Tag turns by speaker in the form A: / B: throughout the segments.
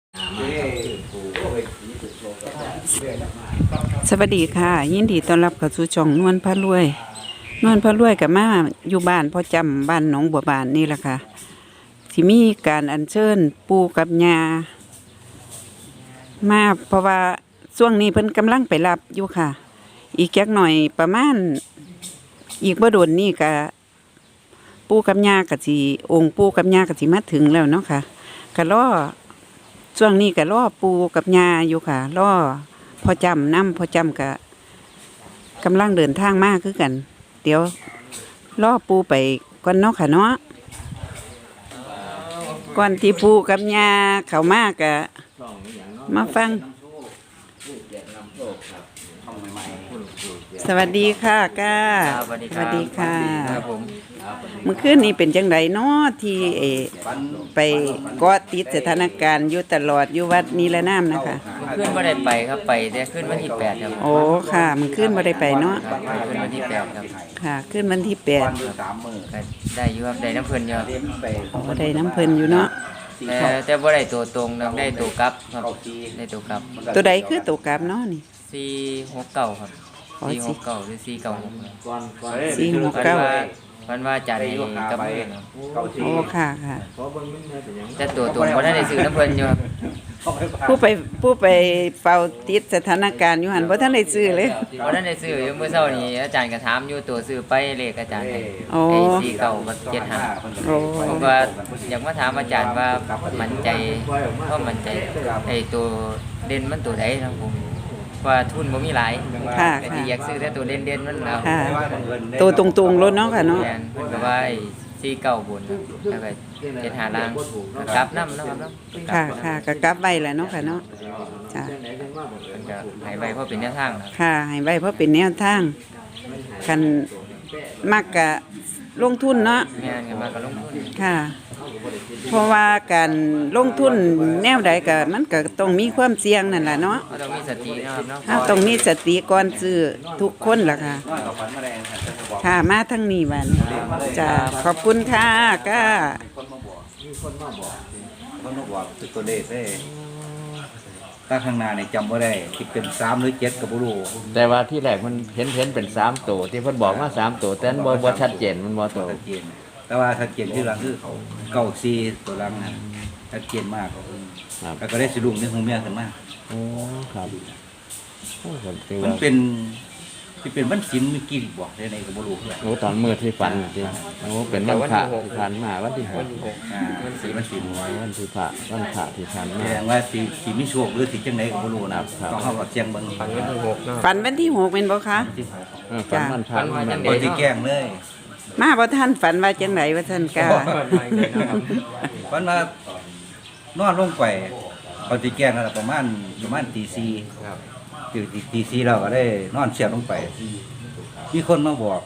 A: สวัสดีค่ะยินดีต้อนรับเข้าสู่ช่องนวลพระรวยกับมาอยู่บ้านพ่อจำบ้านหนองบัวบานนี่แหละค่ะที่มีการอัญเชิญปู่กับย่ามาเพราะว่าช่วงนี้เพิ่นกำลังไปรับอยู่ค่ะ อีกจักหน่อยประมาณอีกบ่โดนนี่ก็ปู่กับย่าก็สิองค์ปู่กับย่าก็สิมาถึงแล้วเนาะค่ะก็รอช่วงนี้ก็รอปู่กับย่าอยู่ค่ะรอพ่อจำก็กำลังเดินทางมาคือกัน เดี๋ยวรอปู่ไปก่อนเนาะค่ะเนาะก่อนที่ปู่กับย่าเข้ามาก็มาฟังสวัสดีค่ะก้า
B: สวัสดี
A: สวัสดีค่ะ
B: ครับผม
A: เมื่อคืนนี้เป็นจังไดเนาะที่ไปเกาะติดสถานการณ์อยู่ตลอดอยู่วัดนิรนามนะคะ
B: ขึ้นไม่ได้ไปครับไปแต่ขึ้นวันที่8ครับ
A: โอ้ค่ะมันขึ้นบ่ได้ไปเนาะ
B: ครับขึ้นวันที่8ครับ
A: ค่ะขึ้นวันที่8
B: ก็ได้อยู่ครับได้น้ำเพลินอยู่ครับ
A: บ่ได้น้ำเพิ่นอยู่เนาะ
B: แต่บ่ได้ตัวตรงนะได้ตัวกลับครับได้ตัวกลับ
A: ตัวใดคือตัวกราบเนาะนี่
B: 469ครับ
A: อ๋อ
B: 469หรือ496
A: 469
B: วันว่าอาจารย์ให้กับเพื่อนครับ
A: โอ้ค่ะค่ะ
B: แต่ตัวตรงบ่ได้ซื้อน้ำเพลินอยู่ครับ
A: ผู้ไปเฝ้าติดสถานการณ์อยู่หั่นบ่ทันได้ซื้อเลย
B: บ่ได้ซื้ออยู่เมื่อเช้านี้อาจารย์ก็ถามอยู่ตัวซื้อไปเลขอาจารย์ให้
A: โอ้
B: ไอ้49กับ75
A: โอ้
B: ผมก็อยากมาถามอาจารย์ว่ามั่นใจไอ้ตัวเด่นมันตัวไหนครับผมว่าทุนบ่มีหลาย
A: ค่ะ
B: แต่
A: ค่ะ
B: ที่อยากซื้อแต่ตัวเด่นๆมันเอา
A: ค่ะตัวตรงๆรถเนาะค่ะเนาะ
B: แม่นเพิ่นก็ว่าไอ้49บนแล้วก็75ล่างก็กลับนำนะครับเนาะ
A: ค่ะค่ะก็กลับไว้แหละเนาะค่ะเนาะจ้ะ
B: เพิ่นก็ให้ไว้เพราะเป็นแนวทางนะครับ
A: ค่ะให้ไว้เพราะเป็นแนวทางคันมักกะลงทุนเนาะ
B: แม่นก็มาก็ลงทุน
A: ค่ะ เพราะว่าการลงทุนแนวใดก็มันก็ต้องมีความเสี่ยงนั่นแหละเนาะ
B: ก็ต้องมีสตินะครับเนาะ
A: ถ้าต้องมีสติก่อนซื้อทุกคนล่ะค่ะ ค่ะมาทั้งนี้บัดนจ้ะขอบคุณค่ะก้า
C: คนมาบอกคือตัวเลขได้ถ้าข้างหน้าเนี่ยจำว่าได้ที่เป็น3หรือ7กับบุรู
D: แต่ว่าที่แรกมันเห็นเป็น3ตัวที่เพิ่นบอกว่า3ตัวแต่นั้นบ่ชัดเจนมันบ่ตัว
C: ชัดเจนแต่ว่าชัดเจนที่หลังคือเก้าซีตัวหลังนั้นชัดเจนมาก
D: ครับ
C: แล้วก็ได้สรุปในหูเมียขึ้นมา
D: โอ้ครับโอ้ก็ถือ
C: มัน
D: ว่า
C: เป็นที่เป็นวันศิลป์มีกี่บอกได้ในกับบุรูเพื่อน
D: โอ้ตอนมื้อที่ฝันจริงโอ้เป็นวันพระที่ผ่านมาวันที่
B: วันที่6
C: วันศิลป์วันศิลป์
D: วันที่พระวันพระที่ผ่าน
C: แส
D: มา
C: ดงว่าสีมีโชคหรือสีจังไหนกับบุรูนะครับ ต้องเข้ากับเสียงเบิ่ง
B: วันที่6เนาะ
A: ฝันวันที่6เป็นบ่คะ
C: ที่
D: ฝันวันพระ
B: ฝันว่าจัง
C: บที่แกล้งเลย
A: มาบ่ท่านฝันว่าจังไดว่าท่านก้า
C: วันว่านอนลงไปพอที่แกล้งนั่นล่ะประมาณตีสี่
B: ครับ
C: ตื่นตีสี่เราก็ได้นอนเสียบลงไป มีคนมาบอก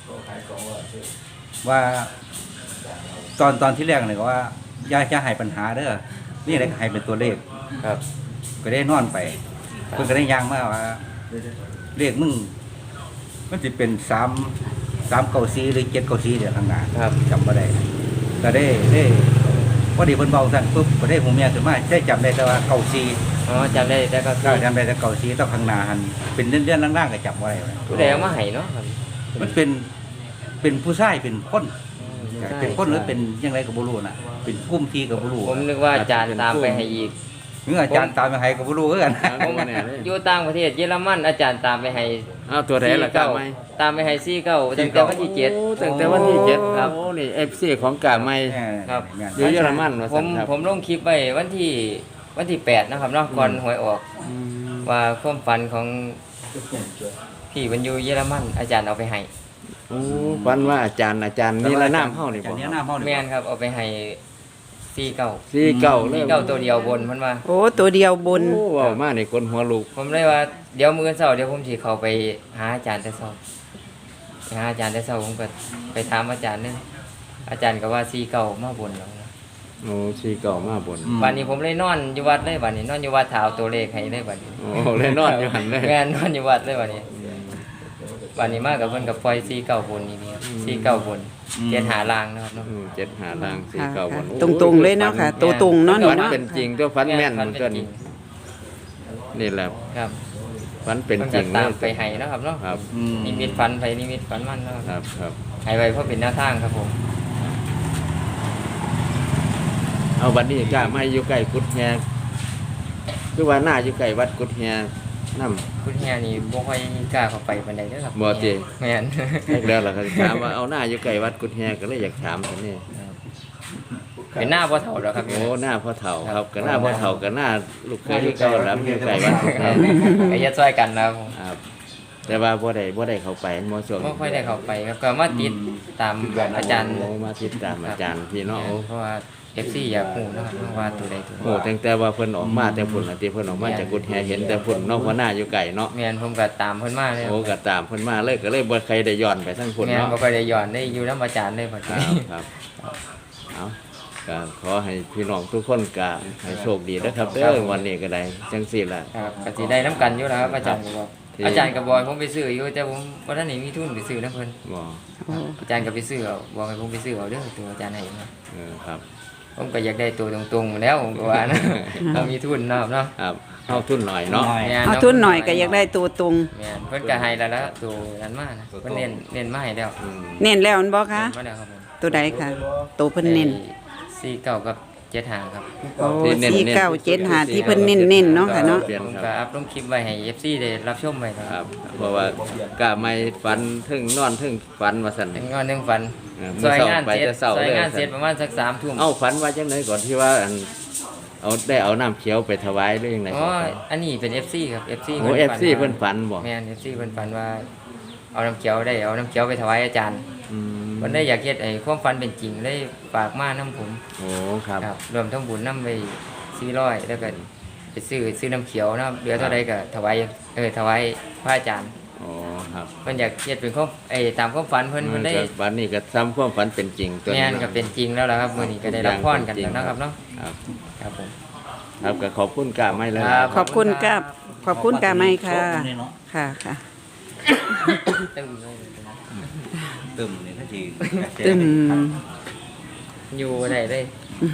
C: ว่า ตอนที่แรกเลยว่าอย่าจะให้ปัญหาเด้อนี่อะไรก็ให้เป็นตัวเลข
B: ครับ
C: ก็ได้นอนไป เพิ่นก็ได้ย่างมาว่าเลขมึงมันจะเป็น3เก้าสี่หรือ7เก้าสี่เดี๋ยวข้างหน้า
B: ครับ
C: จำบ่ได้ก็ได้พอดีเพิ่นเบาสั่นปุ๊บก็ได้หูเมียขึ้นมาได้จำได้แต่ว่าเก้าสี่
B: อ๋อจำได้แต่ก็
C: ก็จำได้แต่เก้าสี่ต้องข้างหน้าหันเป็นเลื่อนๆล่างๆก็จำบ่ได้เลย
B: ผู้ใดเอามาให้เนาะครับ
C: มันเป็นผู้ชายเป็นคนเป็นคนหรือเป็นยังไงก็บ่รู้น่ะเป็นกลุ่มที่ก็บ่รู้
B: ผมนึกว่าอาจารย์ตามไปให้อีก
C: เมื่ออาจารย์ตามไปให้ก็บ่รู้คือกัน
B: ผมอยู่ต่างประเทศเยอรมันอาจารย์ตามไปให้
D: อ้าวตัวไหนล่ะกล้าไหม
B: ตามไปให้49ตั้งแต่วันที่7
D: โอ้ตั้งแต่วันที่7
B: ครับ
D: โอ้นี่ FC ของกล้าไหม
B: ครับ
D: อยู่เยอรมันว่า
B: ผ
D: ซั่
B: ม
D: นครับ
B: ผมลงคลิปไว้วันที่8นะครับเนาะก่อนหวยออก
D: อืม
B: ว่าความฝันของพี่มันอยู่เยอรมันอาจารย์เอาไปให้
D: โอ้ฝันว่าอาจารย์นี่ละน้ำเฮานี่
C: อาจา
D: บ่
C: รย์นี่น้ำเฮานี่
B: แม่นครับเอาไปให้49
D: 49เลย
B: 49ตัวเดียวบนเพิ่นว่า
A: โอ้ตัวเดียวบน
D: โอ้เว้ามานี่คนหัวลุก
B: ผมเลยว่าเดี๋ยวมื้อเช้าเดี๋ยวผมสิเข้าไปหาอาจารย์แต่เช้าไปหาอาจารย์แต่เช้าผมก็ไปถามอาจารย์นึงอาจารย์ก็ว่า49มาบนแล้วนะ
D: โอ้49มาบน
B: วันนี้ผมเลยนอนอยู่วัดเลยวันนี้นอนอยู่วัดถาเอาตัวเลขให้เลยวันนี้
D: โอ้เลยนอนอยู่หันเลย
B: แม่นนอนอยู่วัดเลยวันนี้วันนี้มากับเพิ่นกับปล่อยซีเก่าบนนี่ครับซีเก่าบนเจ็ดหาลางนะครับเนาะ
D: 7 5ล่าง4 9บน
A: ตรงๆเลยเนาะค่ะ ตัวตรงเนาะ
D: ฝั
A: นี่
D: น
A: เนาะ
D: เป็นจริงตัวฝันแม่น
B: ฝั
D: มันก็
B: จริง
D: นี่แหละ
B: ครับ
D: ฝันเป็น
B: พิ่
D: จริง
B: ก็ตามไปให้นะครับเนาะ
D: ครับ
B: นิมิตฝันไปนิมิตฝันมันเนาะ
D: ครับครับ
B: ให้ไว้เพราะเป็นแนวทางครับผม
D: เอาบัดนี้กล้าไม่อยู่ใกล้กุดแฮคือว่าหน้าอยู่ใกล้วัดกุดแฮนำ
B: คุณเฮียนี่บ่ค่อยกล้าเข้าไปปานใดเด้อครับ
D: บ่ติ
B: แม่น
D: แล้วล่ะครับถามว่าเอาหน้าอยู่ใกล้วัดกุดแฮก็เลยอยากถามซั่นนี่
B: เป็นหน้าพ่อเฒ่าแล้วครับ
D: โอ้หน้าพ่อเฒ่าครับก็หน้าพ่อเฒ่าก็หน้าลูกเคยที่เก่าแล้วอยู่ใกล้วัดกุดแฮ
B: ก็อย่าช่วยกันนะครับผม
D: ครับแต่ว่าบ่ได้เข้าไปบ่ช่วง
B: บ่ค่อยได้เข้าไปครับก็มาติดตามอาจารย์
D: โอ้มาติดตามอาจารย์พี่เนาะโอ้
B: เพราะว่า FC อยากรู้นะครับว่าตัวใดตัว
D: โหตั้งแต่ว่าเพิ่นออกมาแต่พุ่นน่ะที่เพิ่นออกมาจากกุดแฮเห็นแต่พุ่นเนาะเพราะหน้าอยู่ไกลเนาะ
B: แม่นผมก็ตามเพิ่นมาเลย
D: โอ้ก็ตามเพิ่นมาเลยก็เลยบ่ใครได้ย้อนไปทั้งพุ่น
B: แม่น
D: เนาะ
B: บ่ค่อยได้ย้อนได้อยู่นำอาจารย์เลยบัด
D: ครั
B: นี้
D: บครับเอาก็ขอให้พี่น้องทุกคนก็ให้โชคดีนะครับเด้อวันนี้ก็ได้จังซี่ล่ะ
B: ครับก็สิได้นํกันอยู่แล้วครับอาจารย์ก็บอก
D: ที่
B: อาจารย์ก็บอกให้ผมไปซื้ออยู่แต่ผมบ่ทันได้มีทุนไปซื้อนํเพิ่น
D: บ่
B: อาจารย์ก็ไปซื้อเอาบอกให้ผมไปซื้อเอาเด้อตัวอาจารย์ให้มา
D: ครับ
B: ผมก็อยากได้ตัวตรงๆแล้วผมก็ว่านะเรามีทุนเนาะครับเนาะ
D: ครับเอาทุนหน่อยเนาะ
B: แม่
A: เอาทุนหน่อยก็อยากได้ตัวตรง
B: แม่นเพิ่นก็ให้แล้วละตัวนั้นมานะเพิ่นเน้นมาให้แล้ว
D: อืม
A: เน้นแล้วอันบ่คะ
B: เน้นมาแล้วครับผม
A: ตัวใดค่ะ ตัวเพิ่นเน้น
B: 49กับ75ครับ
A: โอ้4975ที่เพิ่นเน้นๆเนาะค่ะเนาะ
D: เปลี่ยน
B: ผม
D: ค
B: ก็
D: รับ
B: อัพลงคลิปไว้ให้ FC ได้รับชมไว้นะ
D: ค
B: ค
D: รั
B: รั
D: บบ เพราะว่ากะไม่ฝันถึงนอนถึงฝันว่าซั่น
B: เป็นงอนหนึงฝัน
D: มื้
B: ซ
D: อ
B: อย
D: เช้าง
B: าน
D: ไป
B: เสร็จ
D: แต่เช้า
B: ซอย
D: เลย
B: งานเสร็จประมาณสัก3ทุ่ม
D: เอาฝันว่าจังไดก่อนที่ว่าอันเอาได้เอาน้ำเขียวไปถวายหรือยังไง
B: อ๋ออันนี้เป็น FC ครับ FC
D: โอ้ FC เพิ่นฝันบ่
B: แม่น FC เพิ่นฝันว่าเอาน้ำเขียวได้เอาน้ำเขียวไปถวายอาจารย์
D: อืม
B: วันได้อยากเฮ็ดไอ้ความฝันเป็นจริงเลยฝากมาน้ำผม
D: โอ้ครับ
B: ครับรวมทั้งบุญน้ำไป400แล้วก็ไปซื้อน้ำเขียวนะครับเหลือเท่าใดก็ถวายถวายพระอาจารย์
D: โอ้ครับ
B: เพิ่นอยากเฮ็ดเป็นความตามความฝันเพิ่นได้
D: ก็ฝันนี่ก็ซ้ำความฝันเป็นจริงตัว
B: แม่
D: นี้
B: นก็เป็นจริงแล้วล่ะครับมื้อนี้ก็ได้รับพรกันแล้วนะครับเนาะ
D: ครับ
B: ครับผม
D: ครับก็ขอบคุณกาไม่เลย
B: ครับ
A: ขอบคุณกับขอบคุณกาไม้ค่ะ ค่ะค่ะ
B: ตึ้มเลย
C: ตึมนี่ถ้าที
A: ตึม
B: อยู่บ่ได้เลย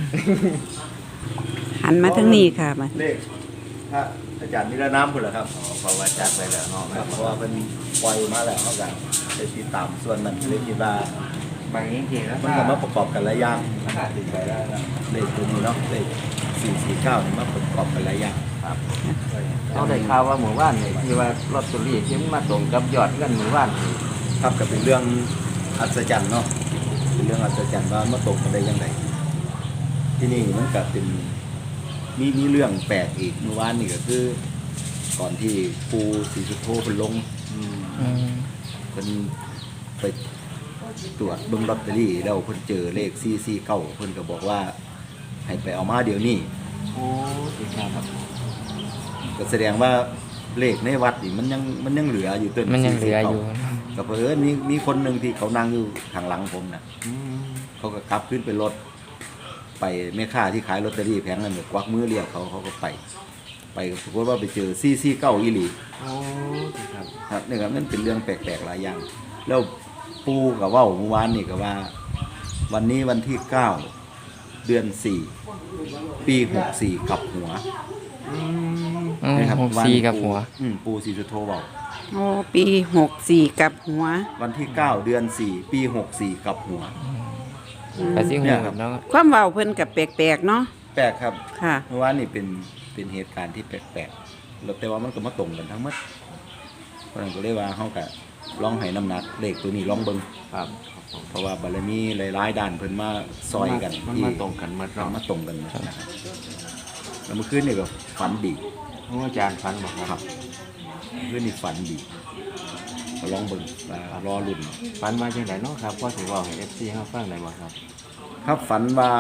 A: หันมาทางนี้ค่ะมา
C: เลขพระอาจารย์นิรน้ำพุ่นเหรอครับเพราะว่าจัดไปแล้วเนาะครับเพราะว่าเป็นปล่อยมาแล้วเขากันไปติดตามส่วนนั้นเลยคิดว่า
B: บางจริงๆแล้ว
C: มันก็มาประกอบกันหลายอย่างติดไปแล้วนะเลขตัวนี้เนาะเลข449นี่มาประกอบกันหลายอย่างครับ
D: เขาได้ข่าวว่าหมู่บ้านนี่ที่ว่าลอตเตอรี่ที่มันมาตรงกับยอดเงินหมู่บ้านนี่
C: ครับก็เป็นเรื่องอัศจรรย์เนาะเป็นเรื่องอัศจรรย์ว่ามาตกกันได้ยังไงที่นี่มันก็เป็นมีเรื่องแปลกอีกเมื่อวานนี่ก็คือ ก่อนที่ปูศรีสุโธเพิ่นลงเพิ่นไปตรวจเบิ่งลอตเตอรี่แล้วเพิ่นเจอเลข449เพิ่นก็บอกว่าให้ไปเอามาเดี๋ยวนี้
D: โอ้สิครับ
C: ก็แสดงว่าเลขในวัดนี่มันยังเหลืออยู่ต้น
B: มันยังเหลืออยู่
C: ก็เพิ่นมีคนหนึงที่เขานั่งอยู่ข้างหลังผมน่ะ เขาก็ขับขึ้นไปรถไปแม่ค้าที่ขายลอตเตอรี่แผงนั้นก็กวักมือเรียกเขาก็ไปปรากฏว่าไปเจอ449อีหลี
D: โอ้สิครับ
C: ครับนี่ครับนั่นเป็นเรื่องแปลกๆหลายอย่าง แล้วปูกับว่าเมื่อวานนี่ก็ว่า วันนี้วันที่9เดือน4ปี64กลับหัวนะครับ
B: 64กับหัว
C: ปูศรีสุโธบอก
A: โอ้ปี64กับหัว
C: วันที่9เดือน4ปี64กลับหัว
B: ก็สิ
C: เนี่
B: ฮู้
C: ยครับ
B: เนาะ
A: ความเว้าเพิ่นกับแปลกๆเนาะ
C: แปลกครับ
A: ค่ะ
C: เมื่อวานนี่เป็นเหตุการณ์ที่แปลกๆแล้วแต่ว่ามันก็มาตรงกันทั้งหมดเพราะฉะนั้นก็เลยว่าเฮาก็ลองให้น้ำหนักเลขตัวนี้ลองเบิ่ง
D: ครับ
C: เพราะว่าบารมีหลายๆด้านเพิ่นมาซอยกัน
D: มัน
C: ที่
D: มาตรงกันหมด
C: มัน
D: เนาะ
C: มาตรงกันหมดนะครับแล้วเมื่อคืนนี่ก็ฝันดี
D: โอ้อาจารย์ฝันบอก
C: ค
D: ค
C: รั
D: รั
C: บบ เมื่อคืนนี่ฝันดีก็ลองเบิ่งว่ารอรุ่น
D: ฝันมาจังไดเนาะครับพอสิเว้าให้ FC เฮาฟังได้บ่ครับ
C: ครับฝันว่า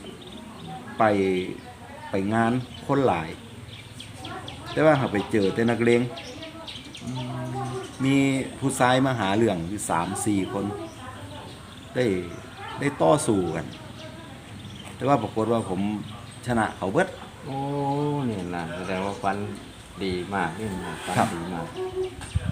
C: ไปงานคนหลาย แต่ว่าหาไปเจอแต่นักเลงมีผู้ชายมาหาเรื่องอยู่3-4 คนได้ต่อสู้กัน แต่ว่าปรากฏว่าผมชนะเขาเบิด
D: โอ้นี่ล่ะแสดงว่าฝันดีมากนี่นะฝัน
C: ครับ
D: ดีมาก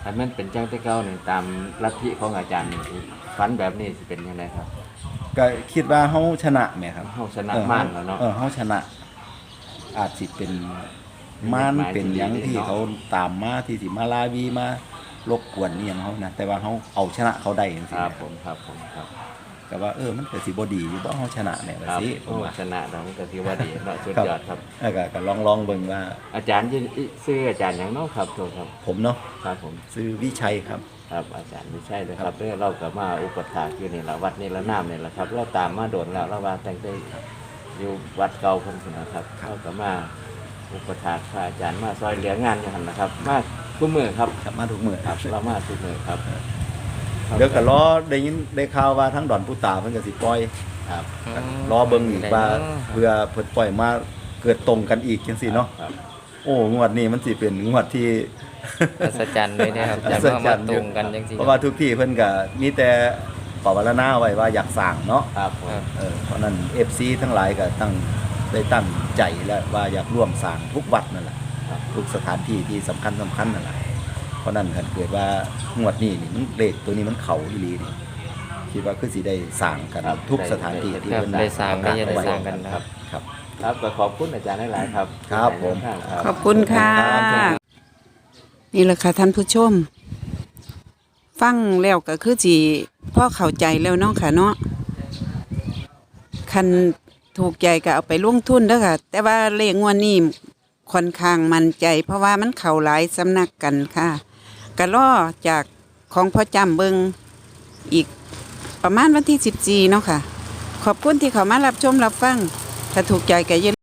D: ถ้ามันเป็นจังแต่เก่านี่ตามลัทธิของอาจารย์นี่ฝันแบบนี้สิเป็นยังไงครับ
C: ก็คิดว่าเฮาชนะแหมครับ
D: เฮาชนะม่านแล้วเนาะ
C: เฮาชนะ อาจสิเป็นม่านเป็นหยังที่เขาตามมาที่สิมาลาวีมารบกวนนี่หยังเฮานะแต่ว่าเฮาเอาชนะเขาได้จัง
D: ค
C: ซี่
D: รับ
C: นะ
D: ผมครับผมครับ
C: ก็ว่ามันก็สิบ่ดีอยู่บ่เฮาชนะแหน่ว่า
D: ครับ
C: สิผ
D: โอ้
C: มว่า
D: ชนะแล้วมันก็ถือว่าดีเนาะสุดยอดครับ
C: ก็ลองเบิ่งว่า
D: อาจารย์ชื่ออาจารย์หยังเนาะครับโทษครับ
C: ผมเนาะ
D: ครับผม
C: ซื้อวิชัยครับ
D: ครับอาจารย์ไม่ใช่เลยครับเราก็มาอุปถากอยู่นี่แหละวัดนี่ละน้ำนี่แหละครับเราตามมาโดนแล้วเราว่าแต่งได้อยู่วัดเก่าคนนนะครับเราก็มาอุปถากพระอาจารย์มาซอยเหลืองานอยู่หันนะครับ มาทุกมือครับ
C: ครับมาทุกมื้อ
D: ครับเรามาทุกมือครับ
C: เดี๋ยวก็รอได้ยินได้ข่าวว่าทั้งดอนผู้ตาเพิ่นก็สิปล่อย
D: ครับ
C: รอเบิ่งอีกว่าเพื่อเพิ่นปล่อยมาเกิดตรงกันอีกจังซี่เนาะ
D: ครับ
C: โอ้งวดนี้มันสิเป็นงวดที่
B: อัศจรรย์เลยนะครับจะมาตรงกันจังซี่
C: เพราะว่าทุกที่เพิ่นก็มีแต่ปรารถนาไว้ว่าอยากสร้างเนาะ
D: ครับผม
C: เพราะนั้น FC ทั้งหลายก็ได้ตั้งใจแล้วว่าอยากร่วมสร้างทุกวัดนั่นแหละ
D: ครับ
C: ทุกสถานที่ที่สำคัญนั่นแหละเพราะนั้นถ้าเกิดว่างวดนี้นี่มันเลขตัวนี้มันเข้าอีหลีนี่คิดว่าคือสิได้สร้างกันทุกสถานที่ที่
B: ครับ
C: เพิ่น
B: ได้สร้างได้จะได้สร้างกัน
C: ค
B: ค
C: รั
B: รั
C: บบ ครับ
D: ครับก็ขอบคุณอาจารย์หลายๆครับ
C: ครับผม
D: ครับ
A: ขอบคุณค่ะ นี่แหละค่ะท่านผู้ชม ฟังแล้วก็คือสิพ่อเข้าใจแล้วเนาะค่ะเนาะคันถูกใจก็เอาไปลงทุนเด้อค่ะ แต่ว่าเลขงวดนี้ค่อนข้างมั่นใจ เพราะว่ามันเข้าหลายสำนักกันค่ะก็รอจากของพ่อจำเบิงอีกประมาณวันที่14เนาะค่ะ ขอบคุณที่เขามารับชมรับฟัง ถ้าถูกใจก็อย่า